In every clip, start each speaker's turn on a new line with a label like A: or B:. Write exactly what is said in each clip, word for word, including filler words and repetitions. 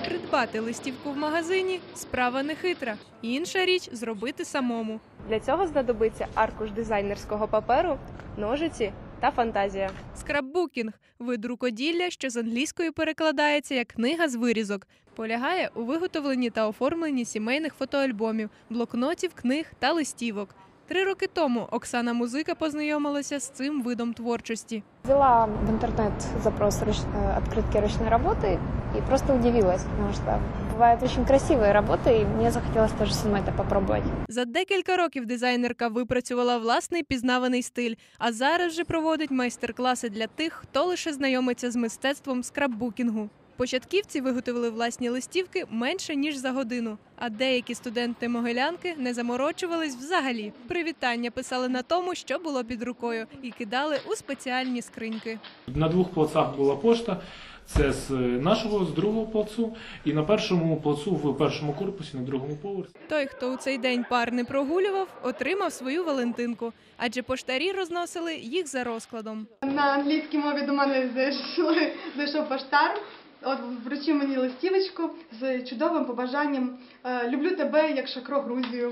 A: Придбати листівку в магазині – справа нехитра. Інша річ – зробити самому.
B: Для цього знадобиться аркуш дизайнерського паперу, ножиці та фантазія.
A: Скрапбукінг – вид рукоділля, що з англійської перекладається як «книга з вирізок». Полягає у виготовленні та оформленні сімейних фотоальбомів, блокнотів, книг та листівок. Три роки тому Оксана Музика познайомилася з цим видом творчості.
C: Взяла в интернет запрос «открытки ручной работы» и просто удивилась, потому что бывают очень красивые работы, и мне захотелось тоже самой это попробовать.
A: За декілька років дизайнерка випрацювала власний пізнаваний стиль, а зараз же проводить майстер-класи для тих, хто лише знайомиться з мистецтвом скрапбукінгу. Початківці виготовили власні листівки менше, ніж за годину. А деякі студенти-могилянки не заморочувались взагалі. Привітання писали на тому, що було під рукою, і кидали у спеціальні скриньки.
D: На двох плацах була пошта. Це з нашого, з другого плацу, і на першому плацу в першому корпусі, на другому поверсі.
A: Той, хто у цей день пар не прогулював, отримав свою Валентинку, адже поштарі розносили їх за розкладом.
E: На англійській мові до мене зайшли, зайшов поштар. От вручив мені листівочку з чудовим побажанням «Люблю тебе, як Шакро Грузію».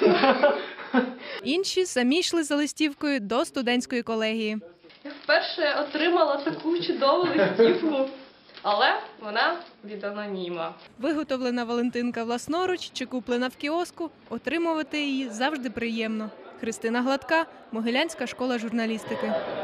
A: Інші самі йшли за листівкою до студентської колегії.
F: Я вперше отримала таку чудову листівку, але вона від аноніма.
A: Виготовлена Валентинка власноруч чи куплена в кіоску, отримувати її завжди приємно. Христина Гладка, Могилянська школа журналістики.